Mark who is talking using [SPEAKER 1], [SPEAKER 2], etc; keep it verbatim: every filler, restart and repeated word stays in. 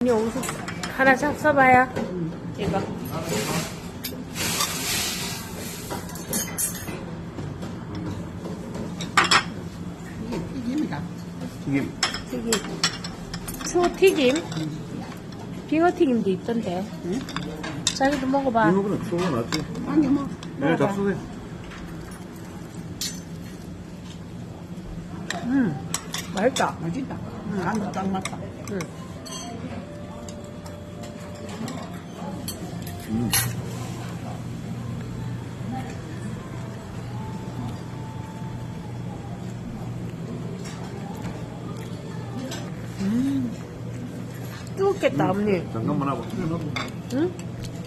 [SPEAKER 1] 언니 옷 하나 싹 써봐요.
[SPEAKER 2] 응.
[SPEAKER 1] 이거.
[SPEAKER 2] 이게 튀김이다.
[SPEAKER 3] 튀김.
[SPEAKER 1] 튀김. 추튀김? 빙어튀김도 있던데.
[SPEAKER 2] 응?
[SPEAKER 1] 자기도 먹어봐.
[SPEAKER 3] 이모그는 소가 낫지.
[SPEAKER 2] 아니 뭐.
[SPEAKER 3] 내가 잡수세.
[SPEAKER 1] 음, 맛있다.
[SPEAKER 2] 맛있다. 응, 간도 딱 맞다.
[SPEAKER 1] 음.
[SPEAKER 3] 음.
[SPEAKER 1] 뜨겁겠다, 언니.
[SPEAKER 3] 잠깐만 하고.
[SPEAKER 1] 응?